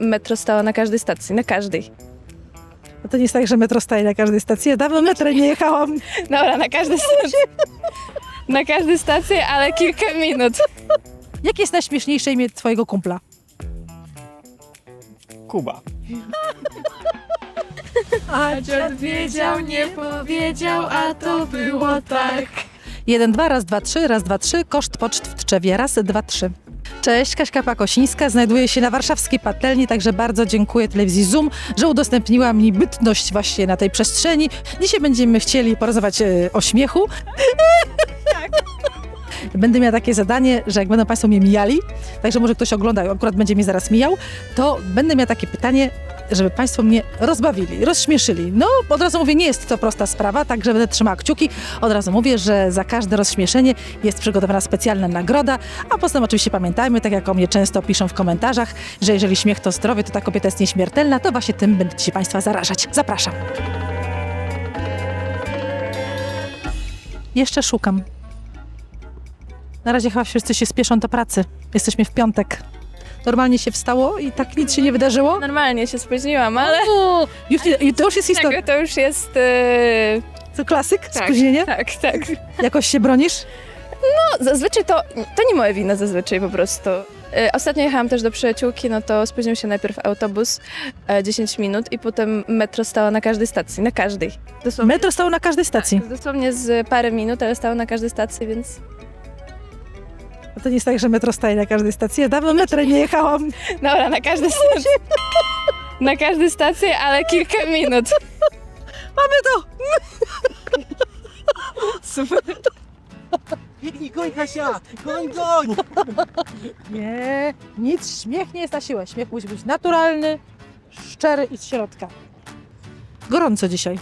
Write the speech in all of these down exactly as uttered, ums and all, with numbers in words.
metro stało na każdej stacji, na każdej. No to nie jest tak, że metro staje na każdej stacji. Ja dawno metrem nie jechałam. Dobra, na każdej stacji. Na każdej stacji, ale kilka minut. Jakie jest najśmieszniejsze imię twojego kumpla? Kuba. A dziad wiedział, nie powiedział, a to było tak. Jeden, dwa, raz, dwa, trzy, raz, dwa, trzy, koszt poczt w Tczewie, raz, dwa, trzy. Cześć, Kaśka Pakosińska, znajduję się na warszawskiej patelni, także bardzo dziękuję telewizji Zoom, że udostępniła mi bytność właśnie na tej przestrzeni. Dzisiaj będziemy chcieli porozmawiać e, o śmiechu. Tak. Będę miała takie zadanie, że jak będą Państwo mnie mijali, także może ktoś ogląda, akurat będzie mnie zaraz mijał, to będę miała takie pytanie, żeby Państwo mnie rozbawili, rozśmieszyli. No, od razu mówię, nie jest to prosta sprawa, także będę trzymała kciuki. Od razu mówię, że za każde rozśmieszenie jest przygotowana specjalna nagroda, a poza tym oczywiście pamiętajmy, tak jak o mnie często piszą w komentarzach, że jeżeli śmiech to zdrowie, to ta kobieta jest nieśmiertelna, to właśnie tym będę się Państwa zarażać. Zapraszam. Jeszcze szukam. Na razie chyba wszyscy się spieszą do pracy. Jesteśmy w piątek. Normalnie się wstało i tak nic się nie wydarzyło. Normalnie się spóźniłam, ale O, już, nie- to już jest historia. tego to już jest... Yy... To klasyk? Tak, Spóźnienie? tak, tak. Jakoś się bronisz? No, zazwyczaj to, to nie moje wina zazwyczaj po prostu. E, Ostatnio jechałam też do przyjaciółki, no to spóźnił się najpierw autobus e, dziesięć minut i potem metro stało na każdej stacji, na każdej. Dosłownie, Metro stało na każdej stacji. dosłownie z parę minut, ale stało na każdej stacji, więc... No to nie jest tak, że metro staje na każdej stacji. Ja dawno metrem nie jechałam. Dobra, na każdej stacji. Na każdej stacji, ale kilka minut. Mamy to! Super. Biegnij, goń Kasia! Goń, goń! Nie, nic. Śmiech nie jest na siłę. Śmiech musi być naturalny, szczery i z środka. Gorąco dzisiaj.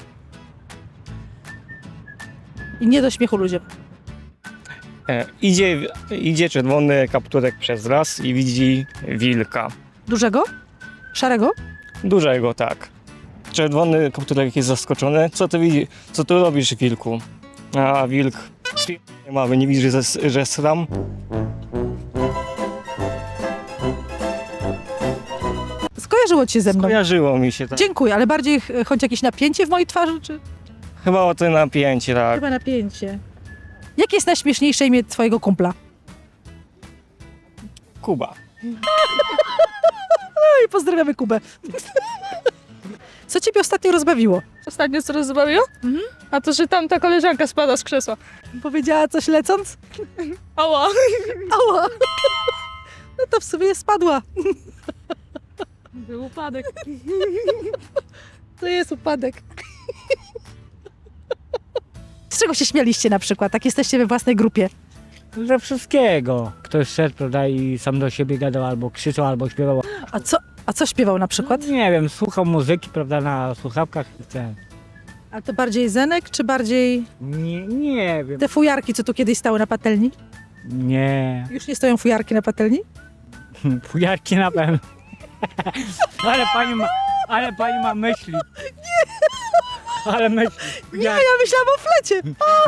I nie do śmiechu ludziom. E, idzie, idzie czerwony kapturek przez las i widzi wilka. Dużego? Szarego? Dużego, tak. Czerwony kapturek jest zaskoczony. Co ty widzi? Co tu robisz, wilku? A wilk nie mamy, nie widzi, że, że sram. Skojarzyło ci się ze mną. Kojarzyło mi się tak. Dziękuję, ale bardziej ch- chodzi jakieś napięcie w mojej twarzy, czy? Chyba o to napięcie, tak. Chyba napięcie. Jakie jest najśmieszniejsze imię twojego kumpla? Kuba. I pozdrawiamy Kubę. Co ciebie ostatnio rozbawiło? Ostatnio co rozbawiło? Mhm. A to, że tamta koleżanka spada z krzesła. Powiedziała coś lecąc? Ała! Ała! No to w sumie spadła. Był upadek. To jest upadek. Z czego się śmialiście na przykład? Tak jesteście we własnej grupie. Ze wszystkiego. Ktoś szedł, prawda, i sam do siebie gadał, albo krzyczał, albo śpiewał. A co, a co śpiewał na przykład? Nie wiem, słuchał muzyki, prawda, na słuchawkach. i ten. A to bardziej Zenek, czy bardziej Nie, nie wiem. te fujarki, co tu kiedyś stały na patelni? Nie. Już nie stoją fujarki na patelni? Fujarki na pewno. Ale pani ma, ale pani ma myśli. Ale myśli. Nie, ja myślałam o flecie.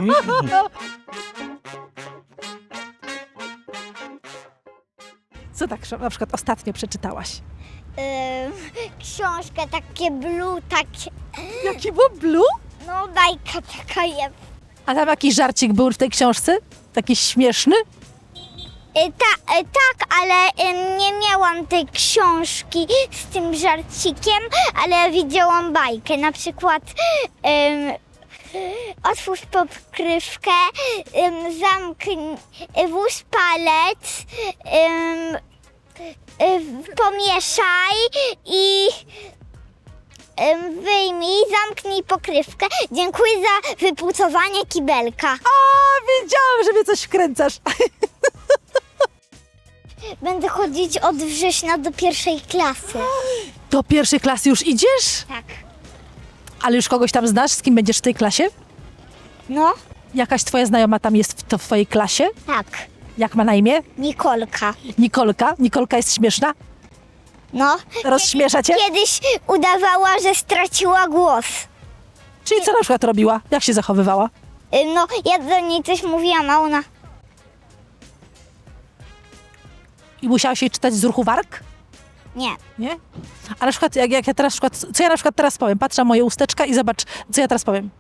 Co tak na przykład ostatnio przeczytałaś? Ym, książkę, takie blue, takie, Jaki był blue? no bajka taka jest. A tam jakiś żarcik był w tej książce? Taki śmieszny? Y, ta, y, tak, ale ym, nie miałam tej książki z tym żarcikiem, ale widziałam bajkę, na przykład ym, otwórz pokrywkę, ym, zamknij, y, włóż palec, ym, y, pomieszaj i ym, wyjmij, zamknij pokrywkę. Dziękuję za wypucowanie kibelka. A, wiedziałam, że mnie coś wkręcasz. Będę chodzić od września do pierwszej klasy. Do pierwszej klasy już idziesz? Tak. Ale już kogoś tam znasz, z kim będziesz w tej klasie? No, Jakaś twoja znajoma tam jest w, to w twojej klasie? tak. Jak ma na imię? Nikolka. Nikolka? Nikolka jest śmieszna? No. Rozśmiesza cię? Kiedyś udawała, że straciła głos. Czyli co na przykład robiła? Jak się zachowywała? Y, No, ja do niej coś mówiłam, a ona... I musiałaś jej czytać z ruchu warg? Nie. Nie? A na przykład, jak, jak ja teraz, przykład, co ja na przykład teraz powiem? Patrzę na moje usteczka i zobacz, co ja teraz powiem.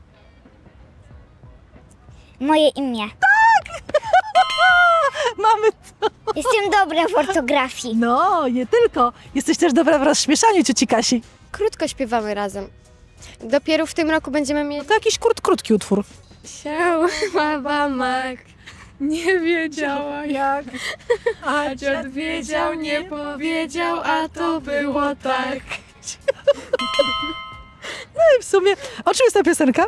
Moje imię. Mamy... Jestem dobra w ortografii. No, nie tylko. Jesteś też dobra w rozśmieszaniu, cioci Kasi. Krótko śpiewamy razem. Dopiero w tym roku będziemy mieć... To jakiś krót, krótki utwór. Siała bamak, nie wiedziała jak, A dziad wiedział, nie powiedział, a to było tak. w sumie, o czym jest ta piosenka?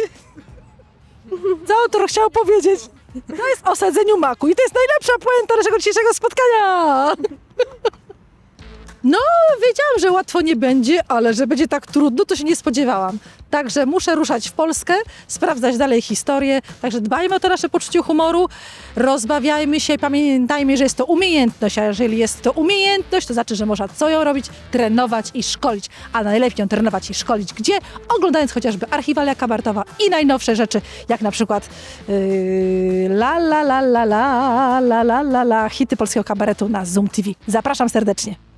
Co autor chciał powiedzieć? To jest o sadzeniu maku i to jest najlepsza puenta naszego dzisiejszego spotkania. No, wiedziałam, że łatwo nie będzie, ale że będzie tak trudno, to się nie spodziewałam. Także muszę ruszać w Polskę, sprawdzać dalej historię. Także dbajmy o to nasze poczucie humoru, rozbawiajmy się, pamiętajmy, że jest to umiejętność, a jeżeli jest to umiejętność, to znaczy, że można co ją robić, trenować i szkolić. A najlepiej ją trenować i szkolić gdzie? Oglądając chociażby Archiwalia Kabaretowa i najnowsze rzeczy, jak na przykład yy, la la la la la la la la la hity polskiego kabaretu na Zoom T V. Zapraszam serdecznie.